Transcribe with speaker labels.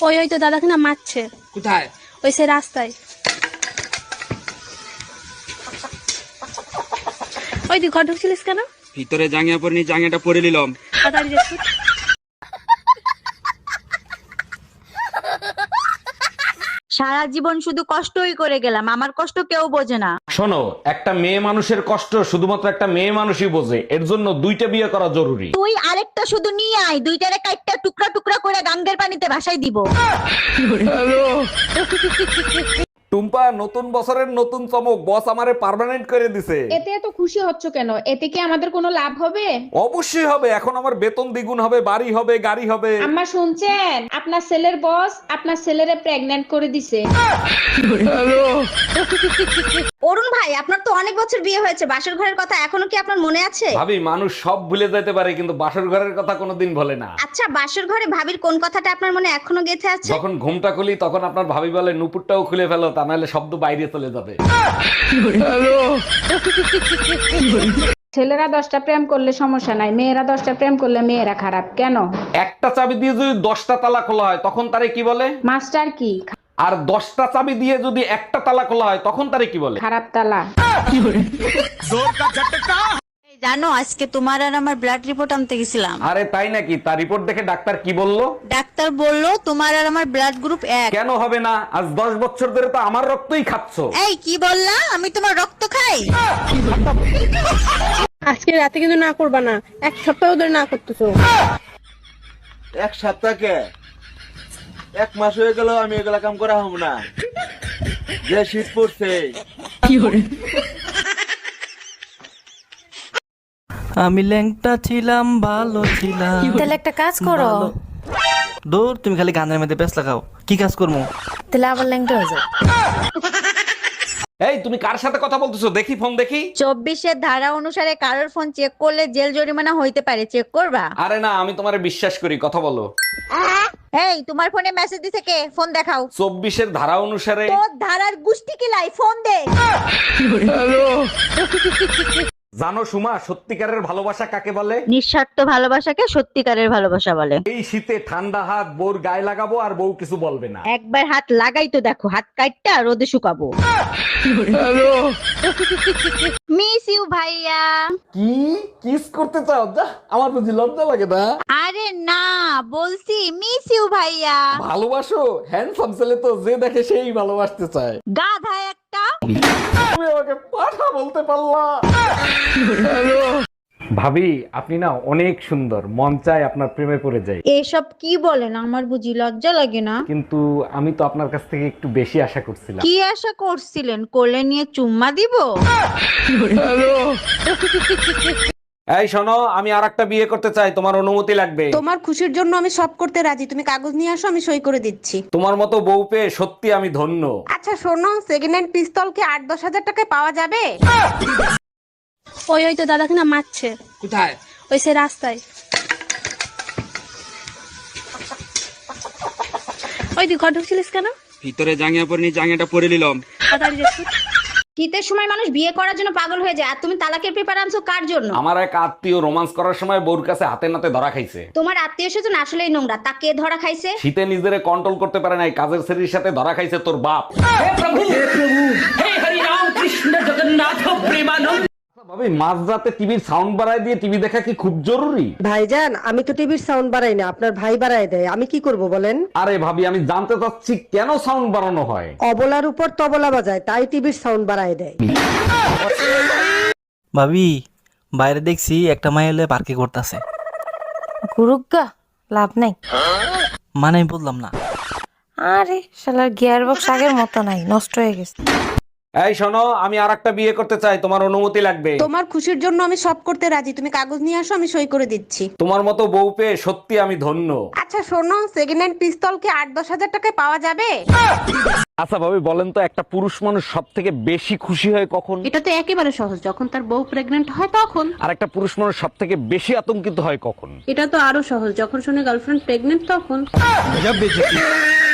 Speaker 1: ওই তো দাদাকে না মারছে।
Speaker 2: কোথায়?
Speaker 1: ওই সে রাস্তায়। ওই তুই ঘর ঢুকছিলিস কেন?
Speaker 2: ভিতরে জাঙ্গিয়া পরিনি, জাঙ্গিয়াটা পরে নিলাম।
Speaker 1: তাড়াতাড়ি যাচ্ছি।
Speaker 3: সারা জীবন শুধু কষ্টই করে গেলাম, আমার কষ্ট কেউ বোঝে না।
Speaker 4: শোনো, একটা মেয়ে মানুষের কষ্ট শুধুমাত্র একটা মেয়ে মানুষই বোঝে, এর জন্য দুইটা বিয়ে করা জরুরি।
Speaker 3: তুই আরেকটা শুধু নিয়ে আয়, দুইটারে কাটটা টুকরা টুকরা করে গাঙ্গের পানিতে ভাসাই দিব।
Speaker 4: টুম্পা, নতুন বছরের নতুন চমক, বস আমারে পার্মানেন্ট করে দিছে।
Speaker 5: এতে এত খুশি হচ্ছ কেন? এতে কি আমাদের কোনো লাভ হবে?
Speaker 4: অবশ্যই হবে, এখন আমার বেতন দ্বিগুণ হবে, বাড়ি হবে, গাড়ি হবে।
Speaker 5: আম্মা শুনছেন? আপনার ছেলের বস আপনার ছেলেরে প্রেগন্যান্ট করে দিছে।
Speaker 3: অরুণ ভাই, আপনার তো অনেক বছর বিয়ে হয়েছে, বাসর ঘরের কথা এখনো কি আপনার মনে আছে?
Speaker 4: ভাবি, মানুষ সব ভুলে যেতে পারে কিন্তু বাসর ঘরের কথা কোনোদিন ভোলে না।
Speaker 3: আচ্ছা, বাসর ঘরে ভাবির কোন কথাটা আপনার মনে এখনো গেঁথে আছে?
Speaker 4: যখন ঘুমটা খুলি তখন আপনার ভাবি বলে নুপুরটাও খুলে ফেলো, তা নাহলে শব্দ বাইরে চলে যাবে।
Speaker 5: ছেলেরা 10টা প্রেম করলে সমস্যা নাই, মেয়েরা 10টা প্রেম করলে মেয়েরা খারাপ কেন?
Speaker 4: একটা চাবি দিয়ে যদি 10টা তালা খোলা হয় তখন তারে কি বলে?
Speaker 5: মাস্টার কি?
Speaker 4: আর 10টা চাবি দিয়ে যদি একটা তালা খোলা হয় তখন তারে কি বলে?
Speaker 5: খারাপ তালা।
Speaker 3: জানো, আজকে তোমার আর আমার ব্লাড রিপোর্ট আনতে গেছিলাম।
Speaker 4: আরে তাই নাকি? তার রিপোর্ট দেখে ডাক্তার কি বললো?
Speaker 3: ডাক্তার বলল তোমার আর আমার ব্লাড গ্রুপ এক।
Speaker 4: কেন হবে না? আজ 10 বছর ধরে তো আমার রক্তই খাচ্ছো।
Speaker 3: এই কি বললা? আমি তোমার রক্ত খাই?
Speaker 1: আজকে রাতে কিন্তু না করবা না, এক সপ্তাহ ধরে না করতেছো।
Speaker 6: এক সপ্তাহকে 1 মাস হয়ে গেল আমি এগুলা কাম করা হব না। যে শীত পড়ছে।
Speaker 7: আমি ল্যাংটা ছিলাম, ভালো ছিলাম।
Speaker 8: তাহলে একটা কাজ করো।
Speaker 7: দূর, তুমি খালি গানের মধ্যে ব্যস্ত লাগাও। কি কাজ করবো?
Speaker 8: তাহলে আবার ল্যাংটা হয়ে যাও।
Speaker 4: এই, তুমি কার সাথে কথা বলতেছো? দেখি ফোন দেখি।
Speaker 3: 24-এর ধারা অনুসারে কারোর ফোন চেক করলে জেল জরিমানা হইতে পারে, চেক করবা?
Speaker 4: আরে না, আমি তোমারে বিশ্বাস করি, কথা বলো।
Speaker 3: এই, তোমার ফোনে মেসেজ দিছে কে? ফোন দেখাও।
Speaker 4: 24-এর ধারা অনুসারে।
Speaker 3: তোর ধারার গুষ্টি কি লাই? ফোন দে।
Speaker 4: জানো সুমা, সত্যিকারের ভালোবাসা কাকে বলে?
Speaker 3: নিঃস্বার্থ ভালোবাসাকে সত্যিকারের ভালোবাসা বলে।
Speaker 4: এই শীতে ঠান্ডা হাত বউর গায়ে লাগাবো আর বউ কিছু বলবে না।
Speaker 3: একবার হাত লাগাই তো দেখো, হাত কাটটা রোদে শুকাবো। মিস ইউ ভাইয়া।
Speaker 4: কি কিস করতে চাও? যা, আমার বুঝি লজ্জা লাগে না?
Speaker 3: আরে না, বলছি মিস ইউ ভাইয়া।
Speaker 4: ভালোবাসো? হ্যান্ডসাম ছেলে তো যে দেখে সেই ভালোবাসতে চায়।
Speaker 3: গাধা একটা।
Speaker 4: তুমি আমাকে পাঠা বলতে পারলা? ভাবি, আপনি না অনেক সুন্দর, মন চায় আপনার প্রেমে পড়ে যাই।
Speaker 3: এসব কি বলেন? আমার বুঝি লজ্জা লাগে না?
Speaker 4: কিন্তু আমি তো আপনার কাছ থেকে একটু বেশি আশা করছিলাম।
Speaker 3: কি আশা করছিলেন? কোলে নিয়ে চুম্মা দিব?
Speaker 4: এই শোনো, আমি আরেকটা বিয়ে করতে চাই, তোমার অনুমতি লাগবে।
Speaker 1: তোমার খুশির জন্য আমি সব করতে রাজি, তুমি কাগজ নিয়ে আসো, আমি সই করে দিচ্ছি।
Speaker 4: তোমার মতো বউ পেয়ে সত্যি আমি ধন্য।
Speaker 1: আচ্ছা শোনো, সেকেন্ড হ্যান্ড পিস্তল কি 8-10 হাজার টাকায় পাওয়া যাবে? ওই তো দাদাকে না মারছে।
Speaker 2: কোথায়?
Speaker 1: ওই সে রাস্তায়। ওই তুই ঘর ঢুকছিলিস কেন?
Speaker 2: ভিতরে জাঙ্গিয়া পরিনি, জাঙ্গিয়াটা পরে নিলাম।
Speaker 1: তাড়াতাড়ি যাচ্ছি।
Speaker 3: শীতের সময় মানুষ বিয়ে করার জন্য পাগল হয়ে যায়, আর তুমি তালাকের পেপার আনছো কার জন্য?
Speaker 4: আমার এক আত্মীয় রোমান্স করার সময় বউর কাছে হাতে নাতে ধরা খাইছে।
Speaker 3: তোমার আত্মীয় স্বজন আসলেই নোংরা, তা কে ধরা খাইছে?
Speaker 4: শীতে নিজেরে কন্ট্রোল করতে পারে নাই, কাজের ছেলের সাথে ধরা খাইছে তোর বাপ। ভাবি, মাঝরাতে টিভির সাউন্ড বাড়ায় দিয়ে টিভি দেখা কি খুব জরুরি?
Speaker 9: ভাইজান, আমি তো টিভির সাউন্ড বাড়াই না, আপনার ভাই বাড়ায় দেয়। আমি কি করব বলেন?
Speaker 4: আরে ভাবি, আমি জানতে চাচ্ছি কেন সাউন্ড বাড়ানো হয়?
Speaker 9: অবলার উপর তবলা বাজায়, তাই টিভির সাউন্ড বাড়ায় দেয়।
Speaker 7: ভাবি, বাইরে দেখছি একটা মাই এলে পার্কে করতেছে।
Speaker 8: গুরুগা লাভ নাই।
Speaker 7: মানে আমি বললাম না।
Speaker 8: আরে শালার গিয়ার বক্স আগের মতো নাই, নষ্ট হয়ে গেছে।
Speaker 4: এই শোনো, আমি আরেকটা বিয়ে করতে চাই, তোমার অনুমতি লাগবে।
Speaker 1: তোমার খুশির জন্য আমি সব করতে রাজি, তুমি কাগজ নিয়ে আসো, আমি সই করে দিচ্ছি।
Speaker 4: তোমার মতো বউ পেয়ে সত্যি আমি ধন্য।
Speaker 1: আচ্ছা শোনো, সেকেন্ড হ্যান্ড পিস্তল কি 8-10 হাজার টাকায় পাওয়া যাবে?
Speaker 4: আচ্ছা ভাবি, বলেন তো, একটা পুরুষ মানুষ সব থেকে বেশি খুশি হয় কখন?
Speaker 1: এটা তো একেবারে সহজ, যখন তার বউ প্রেগনেন্ট হয় তখন।
Speaker 4: আর একটা পুরুষ মানুষ সব থেকে বেশি আতঙ্কিত হয় কখন?
Speaker 1: এটা তো আরো সহজ, যখন শুনে গার্লফ্রেন্ড প্রেগনেন্ট তখন।